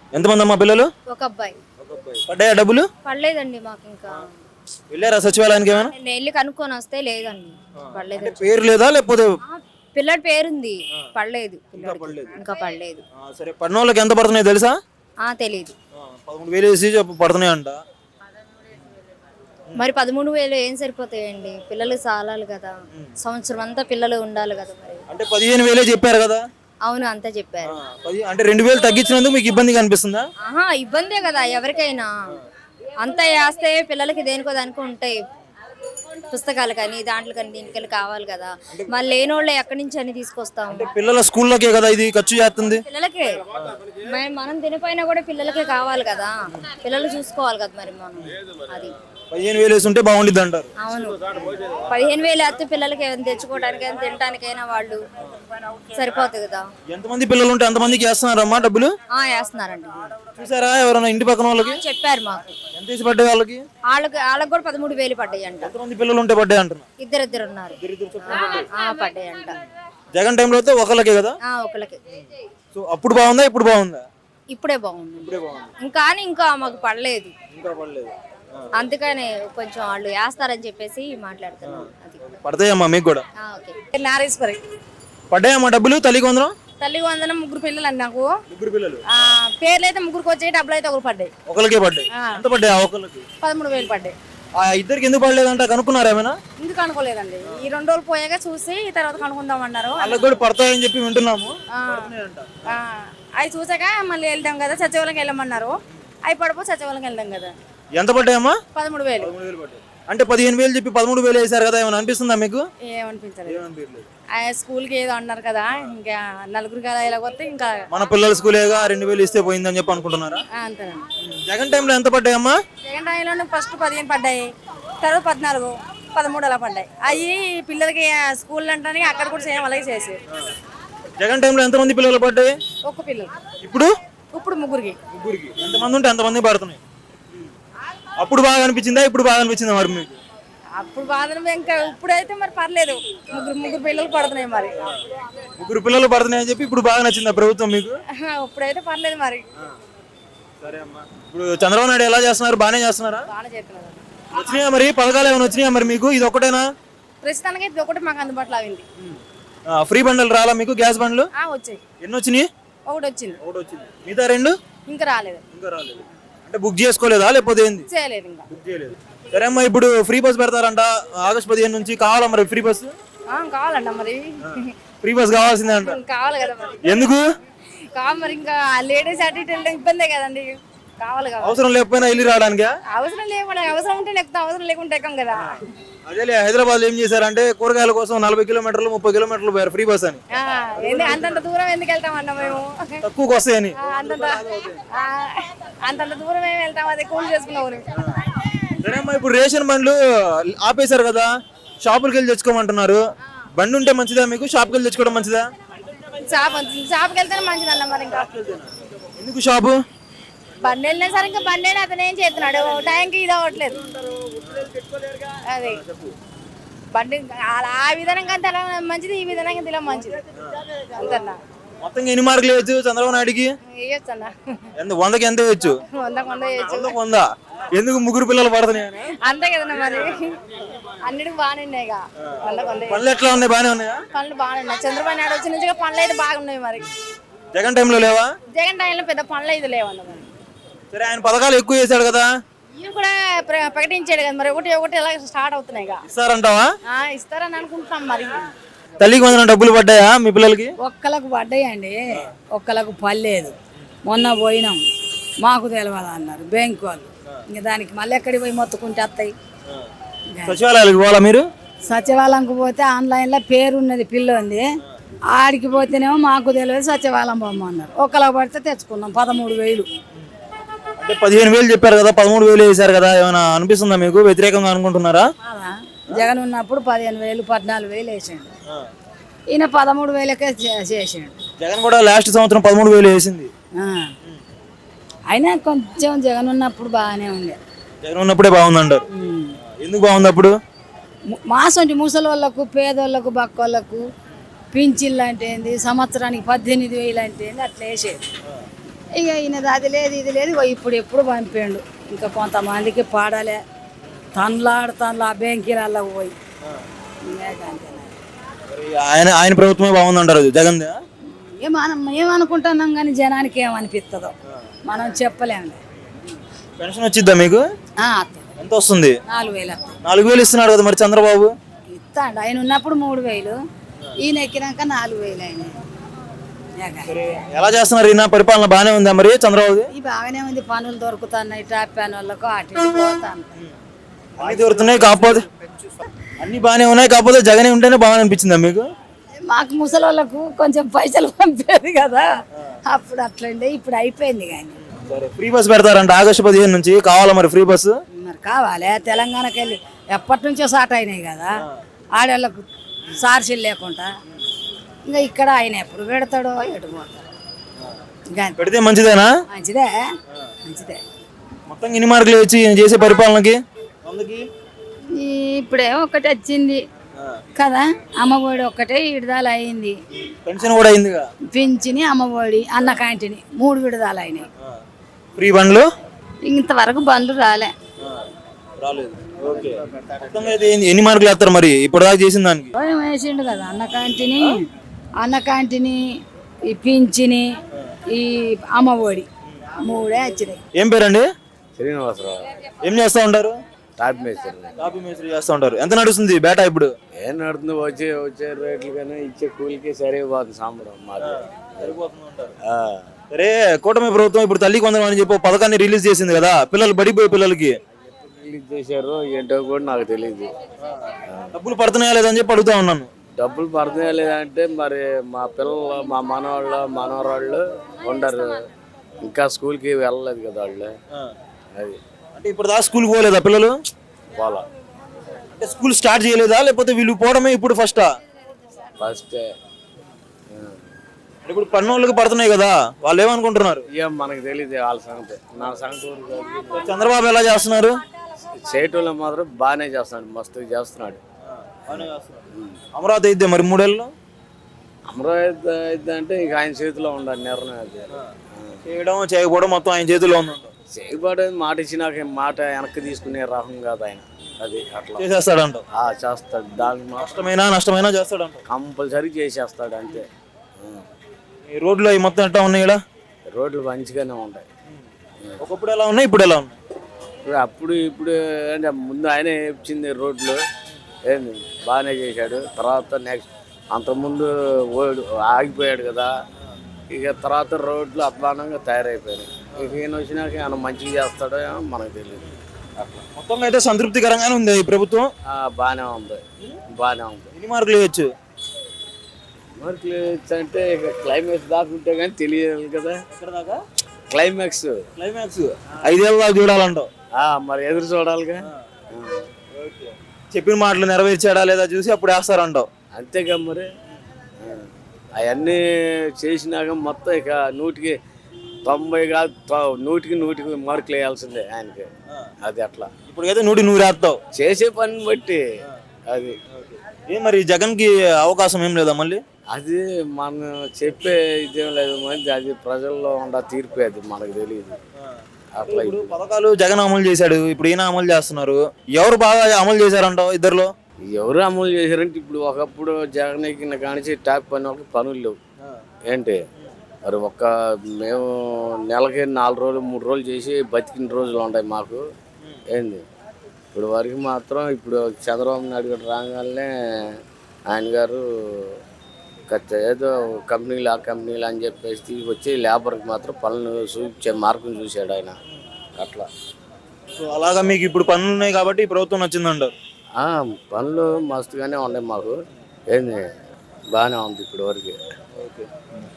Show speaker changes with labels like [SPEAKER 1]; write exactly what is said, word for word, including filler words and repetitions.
[SPEAKER 1] ఎంతమంది అమ్మా పిల్లలు?
[SPEAKER 2] ఒక అబ్బాయి.
[SPEAKER 1] ఒక అబ్బాయి. పడ్డాయా డబ్బులు?
[SPEAKER 2] పడలేదండి మాకు ఇంకా.
[SPEAKER 1] వెళ్ళారా సచివాలయానికి ఏమైనా?
[SPEAKER 2] నేను వెళ్ళి కనుక్కొని వస్తే లేదండి పడలేదు.
[SPEAKER 1] పేరు లేదా లేకపోతే?
[SPEAKER 2] పిల్లడి పేరుంది, పడలేదు. ఇంకా పడలేదు.
[SPEAKER 1] సరే, పడిన వాళ్ళకి ఎంత పడుతున్నాయి తెలుసా?
[SPEAKER 2] ఆ తెలియదు.
[SPEAKER 1] పదమూడు వేలు వేసి పడుతున్నాయి అంట.
[SPEAKER 2] మరి పదమూడు వేలు ఏం సరిపోతాయండి? పిల్లలు సాలాలి కదా, సంవత్సరం అంతా పిల్లలు ఉండాలి కదా. మరి
[SPEAKER 1] అంటే పదిహేను వేలే చెప్పారు కదా.
[SPEAKER 2] అవును, అంతా చెప్పారు.
[SPEAKER 1] అంటే రెండు వేలు తగ్గించినందుకు మీకు ఇబ్బందిగా అనిపిస్తుందా?
[SPEAKER 2] ఆహా, ఇబ్బందే కదా ఎవరికైనా. అంతా వేస్తే పిల్లలకి దేనికో దానికో ఉంటాయి, పుస్తకాలు కానీ దాంట్లో కానీ దీనికి కావాలి కదా. మళ్ళీ లేని వాళ్ళు ఎక్కడి నుంచి అని తీసుకొస్తాం?
[SPEAKER 1] పిల్లల స్కూల్లోకే కదా ఇది ఖర్చు చేస్తుంది.
[SPEAKER 2] పిల్లలకే మనం తినిపోయినా కూడా పిల్లలకే కావాలి కదా, పిల్లలు చూసుకోవాలి కదా. మరి మనం అది
[SPEAKER 1] పదిహేను వేలు వేసి ఉంటే బాగుండిద్ది అంటారు.
[SPEAKER 2] అవును, పదిహేను వేలు వేస్తే పిల్లలకి ఏమైనా తెచ్చుకోవడానికైనా తినడానికైనా వాళ్ళు సరిపోతుంది కదా.
[SPEAKER 1] ఎంతమంది పిల్లలు ఉంటే అంతమందికి వేస్తున్నారమ్మా డబ్బులు?
[SPEAKER 2] ఆ వేస్తున్నారండి.
[SPEAKER 1] చూసారా ఎవరైనా ఇంటి పక్కన వాళ్ళకి?
[SPEAKER 2] చెప్పారు మాకు.
[SPEAKER 1] ఎంత వేసి పడ్డాయి వాళ్ళకి?
[SPEAKER 2] వాళ్ళకి వాళ్ళకి కూడా పదమూడు వేలు పడ్డాయి అంట.
[SPEAKER 1] ఎంతమంది పిల్లలు ఉంటే పడ్డాయి అంటున్నా?
[SPEAKER 2] ఇద్దరిద్దరు ఉన్నారు. పడ్డాయి అంట.
[SPEAKER 1] జగన్ టైంలో అయితే ఒకళ్ళకే కదా?
[SPEAKER 2] ఒకళ్ళకి.
[SPEAKER 1] సో అప్పుడు బాగుందా ఇప్పుడు బాగుందా?
[SPEAKER 2] ఇప్పుడే బాగుంది. ఇంకా ఇంకా మాకు పడలేదు.
[SPEAKER 1] ఇంకా పడలేదు.
[SPEAKER 2] అందుకనే కొంచెం వాళ్ళు వేస్తారని చెప్పేసి మాట్లాడుతున్నాం.
[SPEAKER 1] పడతాయమ్మా మీకు కూడా?
[SPEAKER 3] నారేశ్వరి.
[SPEAKER 1] పడ్డాయమ్మా డబ్బులు? తల్లికి వందనం.
[SPEAKER 3] తల్లికి వందనం ముగ్గురు పిల్లలు అండి నాకు.
[SPEAKER 1] ముగ్గురు పిల్లలు.
[SPEAKER 3] పేర్లు అయితే ముగ్గురికి వచ్చాయి, డబ్బులు అయితే ఒకరు పడ్డాయి.
[SPEAKER 1] ఒకరికే పడ్డాయి. ఎంత పడ్డాయి ఆ ఒకరికి?
[SPEAKER 3] పదమూడు వేలు పడ్డాయి.
[SPEAKER 1] ఆ ఇద్దరికి ఎందుకు పడలేదంట కనుక్కున్నారా ఏమైనా?
[SPEAKER 3] ఎందుకు అనుకోలేదండి, ఈ రెండు రోజులు పోయాక చూసి తర్వాత కనుక్కుందాం అన్నారు.
[SPEAKER 1] వాళ్ళకి కూడా పడతాయని చెప్పి వింటున్నాము.
[SPEAKER 3] అవి చూసాక మళ్ళీ వెళ్దాం కదా, సచివాలయంకి వెళ్ళమన్నారు. అవి పడిపో సచివాలయంకి వెళ్దాం కదా.
[SPEAKER 1] ఎంత పడ్డాయమ్మా?
[SPEAKER 3] పదమూడు వేలు.
[SPEAKER 1] అంటే పదిహేను వేలు చెప్పి పదమూడు వేలు వేసారు కదా, ఏమైనా అనిపిస్తుందా మీకు?
[SPEAKER 3] ఏమనిపించలేదు. స్కూల్కి ఏదో అన్నారు కదా, ఇంకా నలుగురు కదా ఇలా వస్తే ఇంకా
[SPEAKER 1] మన పిల్లల స్కూలేగా రెండు వేలు ఇస్తే పోయిందని చెప్పి అనుకుంటున్నారా?
[SPEAKER 3] అంతేనండి.
[SPEAKER 1] జగన్ టైంలో ఎంత పడ్డాయమ్మా?
[SPEAKER 3] జగన్ టైంలో ఫస్ట్ పదిహేను పడ్డాయి, తర్వాత పద్నాలుగు పదమూడు అలా పడ్డాయి. అవి పిల్లలకి స్కూల్ అంటే అక్కడ కూడా సేమ్ అలాగే చేసి.
[SPEAKER 1] జగన్ టైంలో ఎంతమంది పిల్లలు పడ్డాయి?
[SPEAKER 3] ఒక్క పిల్లలు.
[SPEAKER 1] ఇప్పుడు
[SPEAKER 3] ఇప్పుడు ముగ్గురికి.
[SPEAKER 1] ముగ్గురికి ఎంతమంది ఉంటే ఎంతమంది పడుతున్నాయి? అప్పుడు బాగా అనిపించిందా ఇప్పుడు బాగా అనిపించిందా మరి మీకు?
[SPEAKER 3] అప్పుడు బాధ ఇంకా, ఇప్పుడైతే మరి పర్లేదు, ముగ్గురు ముగ్గురు పిల్లలు పడుతున్నాయి. మరి
[SPEAKER 1] ముగ్గురు పిల్లలు పడుతున్నాయి అని చెప్పి ఇప్పుడు బాగా నచ్చిందా ప్రభుత్వం మీకు?
[SPEAKER 3] ఇప్పుడైతే పర్లేదు మరి.
[SPEAKER 1] సరే అమ్మా, ఇప్పుడు చంద్రబాబు నాయుడు ఎలా చేస్తున్నారు? బాగానే చేస్తున్నారా?
[SPEAKER 3] బాగానే చేస్తున్నారు.
[SPEAKER 1] వచ్చినాయా మరి పథకాలు ఏమైనా వచ్చినాయా మరి మీకు? ఇది ఒకటేనా?
[SPEAKER 3] ప్రస్తుతానికి ఇది ఒకటి మాకు అందుబాటులో అయింది.
[SPEAKER 1] ఫ్రీ బండ్లు రాలా మీకు? గ్యాస్ బండ్లు
[SPEAKER 3] వచ్చాయి.
[SPEAKER 1] ఎన్ని వచ్చినాయి?
[SPEAKER 3] ఒకటి వచ్చింది.
[SPEAKER 1] ఒకటి వచ్చింది. మిగతా రెండు
[SPEAKER 3] ఇంకా రాలేదు.
[SPEAKER 1] ఇంకా రాలేదు. అంటే బుక్ చేసుకోలేదా లేకపోతే ఏంది?
[SPEAKER 3] చేయలేదు ఇంకా.
[SPEAKER 1] బుక్ చేయలేదు. సరే అమ్మా, ఇప్పుడు ఫ్రీ బస్ పెడతారంట ఆగస్ట్ పదిహేను నుంచి. కావాలా మరి ఫ్రీ బస్?
[SPEAKER 3] కావాలంట మరి.
[SPEAKER 1] ఫ్రీ బస్ కావాల్సిందే అంట.
[SPEAKER 3] కావాలి కదా మరి.
[SPEAKER 1] ఎందుకు
[SPEAKER 3] కావాలి మరి, ఇంకా లేడీస్ అటు ఇటు వెళ్ళడం ఇబ్బందే కదండి. కావాలి కదా.
[SPEAKER 1] అవసరం లేకపోయినా వెళ్ళి రావడానికి?
[SPEAKER 3] అవసరం లేకుండా, అవసరం ఉంటే ఎక్కుతాం, అవసరం లేకుంటే ఎక్కం కదా.
[SPEAKER 1] అదే హైదరాబాద్ లో ఏం చేశారంటే కూరగాయల కోసం నలభై కిలోమీటర్లు ముప్పై కిలోమీటర్లు పోయారు ఫ్రీ బస్ అని.
[SPEAKER 3] అంతంత దూరం ఎందుకు వెళ్తామన్నా మేము?
[SPEAKER 1] తక్కువకి వస్తాయని.
[SPEAKER 3] అంతంత అంతంత దూరం ఏమి వెళ్తాం, అది కూల్ చేసుకున్నాం.
[SPEAKER 1] సరే అమ్మా, ఇప్పుడు రేషన్ బండ్లు ఆపేశారు కదా, షాపులకి వెళ్ళి తెచ్చుకోమంటున్నారు. బండి ఉంటే మంచిదా మీకు? షాప్కి వెళ్ళి తెచ్చుకోవడం మంచిదా?
[SPEAKER 3] షాప్ షాప్కి వెళ్తేనే మంచిది అన్న మరి. ఇంకా
[SPEAKER 1] ఎందుకు షాపు?
[SPEAKER 3] బండి వెళ్ళినా సరే ఇంకా బండి అయినా అతను ఏం చేస్తున్నాడు, టైంకి ఇది అవ్వట్లేదు. అదే బండి ఆ విధానంగా తెల మంచిది, ఈ విధానంగా తెల మంచిది అంతన్నా.
[SPEAKER 1] మొత్తం ఎన్ని మార్కులు వేయచ్చు చంద్రబాబు నాయుడుకి?
[SPEAKER 3] వేయచ్చు అన్న.
[SPEAKER 1] ఎంత వందకి ఎంత వేయచ్చు?
[SPEAKER 3] వందకు వంద వేయచ్చు.
[SPEAKER 1] వంద ఎందుకు? ముగ్గురు పిల్లలు పడుతున్నాయి
[SPEAKER 3] అంతే కదన్నా మరి. అన్నిటికి బాగానే ఉన్నాయి.
[SPEAKER 1] పనులు ఎట్లా ఉన్నాయి? బాగానే ఉన్నాయా?
[SPEAKER 3] పనులు బాగానే ఉన్నాయి. చంద్రబాబు నాయుడు వచ్చి నుంచి పనులు అయితే బాగున్నాయి. మరి
[SPEAKER 1] జగన్ టైంలో లేవా?
[SPEAKER 3] జగన్ టైంలో పెద్ద పనులు అయితే లేవన్న. మరి
[SPEAKER 1] సరే, ఆయన పథకాలు ఎక్కువ చేశాడు కదా,
[SPEAKER 3] ఈయన కూడా ప్రకటించాడు కదా, మరి ఒకటి ఒకటి ఎలా స్టార్ట్ అవుతున్నాయి.
[SPEAKER 1] ఇస్తారంటావా?
[SPEAKER 3] ఇస్తారని అనుకుంటున్నాం. మరి
[SPEAKER 1] తల్లికి వందనం డబ్బులు పడ్డాయా మీ పిల్లలకి?
[SPEAKER 4] ఒక్కలకు పడ్డాయండి, ఒక్కలకు పర్లేదు. మొన్న పోయినాం, మాకు తెలవాలా అన్నారు బ్యాంకు వాళ్ళు. ఇంకా దానికి మళ్ళీ ఎక్కడికి పోయి మొత్తుకుంటే వస్తాయి.
[SPEAKER 1] సచివాలయాలకు పోవాలా మీరు?
[SPEAKER 4] సచివాలయంకి పోతే ఆన్లైన్లో పేరు ఉన్నది పిల్లంది, ఆడికి పోతేనేమో మాకు తెలియదు సచివాలయం పోమన్నారు. ఒక్కలకు పడితే తెచ్చుకున్నాం పదమూడు వేలు.
[SPEAKER 1] అంటే పదిహేను వేలు చెప్పారు కదా, పదమూడు వేలు వేసారు కదా, ఏమైనా అనిపిస్తుందా మీకు? వ్యతిరేకంగా అనుకుంటున్నారా?
[SPEAKER 4] జగన్ ఉన్నప్పుడు పదిహేను వేలు పద్నాలుగు వేలు వేసాడు, ఈయన పదమూడు వేలకే చేసాడు.
[SPEAKER 1] జగన్ కూడా లాస్ట్ సంవత్సరం పదమూడు వేలు వేసింది.
[SPEAKER 4] అయినా కొంచెం జగన్ ఉన్నప్పుడు బాగానే ఉంది.
[SPEAKER 1] జగన్ ఉన్నప్పుడే బాగుందంటారు. ఎందుకు బాగుంది అప్పుడు?
[SPEAKER 4] మాసంటి ముసలి వాళ్ళకు, పేదోళ్ళకు, బక్కోళ్ళకు పింఛన్లు అంటే ఏంది, సంవత్సరానికి పద్దెనిమిది వేలు అంటే ఏంది, అట్లా వేసేది. ఇక ఈయనది అది లేదు ఇది లేదు ఇగో ఇప్పుడు ఎప్పుడు పంపిండు. ఇంకా కొంతమందికి పాడాలే తనలాడు తనలా బ్యాంకీలలోకి పోయి ఇంకేకంతేనా.
[SPEAKER 1] మరి ఆయన ఆయన ప్రభుత్వమే బాగుందంటారు జగన్.
[SPEAKER 4] ఏ మనం ఏమనుకుంటున్నాం కానీ జనానికి ఏమనిపిస్తుందో మనం చెప్పలేము.
[SPEAKER 1] పెన్షన్ వచ్చిద్దా మీకు?
[SPEAKER 4] ఆ, అత్తది.
[SPEAKER 1] ఎంత వస్తుంది?
[SPEAKER 4] నాలుగు వేలు వస్తాయి.
[SPEAKER 1] నాలుగు వేలు ఇస్తున్నాడు కదా మరి చంద్రబాబు.
[SPEAKER 4] ఇస్తాడు ఆయన ఉన్నప్పుడు మూడు వేలు ఈయన ఎక్కినాక నాలుగు వేలు అయినాయి.
[SPEAKER 1] ఎలా చేస్తున్నారు? ఈయన పరిపాలన బాగానే ఉందా మరి చంద్రబాబు?
[SPEAKER 4] ఈ బాగానే ఉంది, పనులు దొరుకుతున్నాయి టాప్ ప్యాన్ వాళ్ళకు అటు ఇటు పోతాను.
[SPEAKER 1] అన్ని దొరుకుతున్నాయి కాకపోతే అన్ని బాగానే ఉన్నాయి కాకపోతే జగనే ఉంటేనే బాగా అనిపించిందా మీకు?
[SPEAKER 4] మాకు ముసలి వాళ్ళకు కొంచెం పైసలు పంపేది కదా అప్పుడు అట్లండే, ఇప్పుడు అయిపోయింది. కానీ
[SPEAKER 1] సరే ఫ్రీ బస్ పెడతారంట ఆగస్టు పదిహేను నుంచి, కావాలా మరి ఫ్రీ బస్సు?
[SPEAKER 4] మరి కావాలి. తెలంగాణకి వెళ్ళి ఎప్పటి నుంచో స్టార్ట్ అయినాయి కదా ఆడవాళ్ళకు సార్సీలు లేకుండా. ఇంకా ఇక్కడ ఆయన ఎప్పుడు పెడతాడో ఎటు పోతాడో. ఇంకా
[SPEAKER 1] పెడితే మంచిదేనా?
[SPEAKER 4] మంచిదే మంచిదే.
[SPEAKER 1] మొత్తం ఎన్ని మార్కులు వచ్చి ఈయన చేసే పరిపాలనకి? వందకి
[SPEAKER 3] ఇప్పుడేమో ఒకటి వచ్చింది
[SPEAKER 4] కదా, అమ్మఒడి ఒక్కటే విడుదల అయింది.
[SPEAKER 1] పెన్షన్ కూడా అయిందిగా.
[SPEAKER 4] పింఛని అమ్మఒడి అన్న క్యాంటీని మూడు విడుదల అయినాయి.
[SPEAKER 1] ఫ్రీ బండ్లు
[SPEAKER 3] ఇంతవరకు బండ్లు రాలే.
[SPEAKER 1] రాలేదు. ఓకే. మొత్తంగా అయితే ఎన్ని- ఎన్ని మార్కులు వేస్తారు మరి ఇప్పుడు దాకా చేసిన దానికి?
[SPEAKER 4] భయం వేసిండు కదా అన్న క్యాంటీని అన్న క్యాంటీని ఈ పింఛని ఈ అమ్మఒడి మూడే వచ్చినాయి.
[SPEAKER 1] ఏం పేరండి?
[SPEAKER 5] శ్రీనివాసరావు
[SPEAKER 1] ఏం చేస్తా ఉంటారు?
[SPEAKER 5] టాప్ మేస్త్రి.
[SPEAKER 1] కాపీ మేస్త్రి చేస్తా ఉంటారు. ఎంత నడుస్తుంది బేటా ఇప్పుడు?
[SPEAKER 5] ఏం నడుతుంది, వచ్చే వచ్చే రేట్లు కానీ ఇచ్చే కూలికి సరిపోతుంది సాంబరం మాది. ఆ.
[SPEAKER 1] సరే కూటమి ప్రభుత్వం ఇప్పుడు తల్లి కొందరం అని చెప్పి ఒక పథకాన్ని రిలీజ్ చేసింది కదా పిల్లలు బడిపోయే పిల్లలకి.
[SPEAKER 5] రిలీజ్ చేశారు ఏంటో కూడా నాకు తెలియదు.
[SPEAKER 1] డబ్బులు పడుతున్నాయా లేదని చెప్పి అడుగుతా ఉన్నాను.
[SPEAKER 5] డబ్బులు పడుతున్నాయా లేదంటే మరి మా పిల్లలు మా మనవాళ్ళు మనవరాళ్ళు ఉండరు, ఇంకా స్కూల్కి వెళ్ళలేదు కదా వాళ్ళు. అది
[SPEAKER 1] అంటే ఇప్పుడు దాకా స్కూల్కి పోలేదా పిల్లలు?
[SPEAKER 5] పోలా.
[SPEAKER 1] అంటే స్కూల్ స్టార్ట్ చేయలేదా లేకపోతే వీళ్ళు పోవడమే ఇప్పుడు ఫస్టా?
[SPEAKER 5] ఫస్టే.
[SPEAKER 1] ఇప్పుడు పన్నోళ్ళకి పడుతున్నాయి కదా వాళ్ళు ఏమనుకుంటున్నారు?
[SPEAKER 5] ఏం మనకు తెలియదు వాళ్ళ సంగతి, నా సంగతి ఊరికి.
[SPEAKER 1] చంద్రబాబు ఎలా చేస్తున్నారు?
[SPEAKER 5] చేయటంలో మాత్రం బాగానే చేస్తున్నాడు, మస్తు చేస్తున్నాడు.
[SPEAKER 1] అమరావతి అయితే మరి మూడేళ్ళు
[SPEAKER 5] అమరావతి అయితే అంటే ఇక ఆయన చేతిలో ఉండాలి నిర్ణయం. అది
[SPEAKER 1] చేయడం చేయకపోవడం మొత్తం ఆయన చేతిలో ఉంది.
[SPEAKER 5] చేయబడేది మాట ఇచ్చినాక మాట వెనక్కి తీసుకునే రకం కాదు ఆయన. అది అట్లా
[SPEAKER 1] చేసేస్తాడంట.
[SPEAKER 5] ఆ, చేస్తాడు. దానికి మాత్రం
[SPEAKER 1] నష్టమైనా నష్టమైనా చేస్తాడంట.
[SPEAKER 5] కంపల్సరీ చేసేస్తాడు అంతే.
[SPEAKER 1] ఈ రోడ్లు అవి మొత్తం ఎట్లా ఉన్నాయి ఇక్కడ?
[SPEAKER 5] రోడ్లు మంచిగానే ఉంటాయి.
[SPEAKER 1] ఒకప్పుడు ఎలా ఉన్నాయి ఇప్పుడు ఎలా ఉన్నాయి?
[SPEAKER 5] ఇప్పుడు అప్పుడు ఇప్పుడు అంటే ముందు ఆయనే ఇచ్చింది రోడ్లు, ఏంది బాగానే చేశాడు. తర్వాత నెక్స్ట్ అంతకుముందు ఓడి ఆగిపోయాడు కదా, ఇక తర్వాత రోడ్లు అధ్వానంగా తయారైపోయినాయి. ఇక ఈయన వచ్చినాక ఆయన మంచిగా చేస్తాడో ఏమో మనకు తెలియదు. అట్లా
[SPEAKER 1] మొత్తం అయితే సంతృప్తికరంగానే ఉంది ఈ ప్రభుత్వం.
[SPEAKER 5] ఆ, బాగానే ఉంది బాగానే ఉంది.
[SPEAKER 1] ఎన్ని మార్కులు ఇవ్వచ్చు?
[SPEAKER 5] మార్కులు అంటే ఇక క్లైమాక్స్ దాకా ఉంటే కానీ తెలియదు కదా.
[SPEAKER 1] ఎక్కడ దాకా?
[SPEAKER 5] క్లైమాక్స్
[SPEAKER 1] క్లైమాక్స్ ఐదేళ్ళ దాకా చూడాలంటావు.
[SPEAKER 5] ఆ, మరి ఎదురు చూడాలిగా.
[SPEAKER 1] చెప్పిన మాటలు నెరవేర్చాడా లేదా చూసి అప్పుడు వేస్తారంటావు.
[SPEAKER 5] అంతేగా మరి. అవన్నీ చేసినాక మొత్తం ఇక నూటికి తొంభై కాదు తొ- నూటికి నూటికి మార్కులు వేయాల్సిందే ఆయనకి. అది అట్లా
[SPEAKER 1] ఇప్పుడు అయితే నూటి నూరు వేస్తావు
[SPEAKER 5] చేసే పని బట్టి. అది
[SPEAKER 1] ఏ మరి జగన్ కి అవకాశం ఏం లేదా మళ్ళీ?
[SPEAKER 5] అది మనం చెప్పే ఇదేం లేదు, మంచి అది ప్రజల్లో ఉండ తీర్పే, అది మనకు తెలియదు. అట్లా
[SPEAKER 1] ఇప్పుడు పథకాలు జగన్ అమలు చేశాడు, ఇప్పుడు ఈయన అమలు చేస్తున్నారు. ఎవరు బాగా అమలు చేశారంటావు ఇద్దరులో?
[SPEAKER 5] ఎవరు అమలు చేశారంటే ఇప్పుడు ఒకప్పుడు జగన్ ఎక్కిన కానించి టాప్ పని వాళ్ళకి పనులు లేవు ఏంటి. మరి ఒక్క మేము నెలకి నాలుగు రోజులు మూడు రోజులు చేసి బతికిన రోజులు ఉంటాయి మాకు. ఏంది ఇప్పుడు వరకు మాత్రం ఇప్పుడు చంద్రబాబు నాయుడు గారు రాగానే ఆయన గారు ఖచ్చ- ఏదో కంపెనీలు ఆ కంపెనీలు అని చెప్పేసి తీసుకొచ్చి లేబర్కి మాత్రం పనులు చూపించే మార్గం చూశాడు ఆయన. అట్లా
[SPEAKER 1] సో అలాగా మీకు ఇప్పుడు పనులు ఉన్నాయి కాబట్టి ఈ ప్రభుత్వం నచ్చిందంటారు.
[SPEAKER 5] ఆ, పనులు మస్తుగానే ఉన్నాయి మాకు. ఏంది బాగానే ఉంది ఇప్పుడు వరకు.
[SPEAKER 1] ఓకే.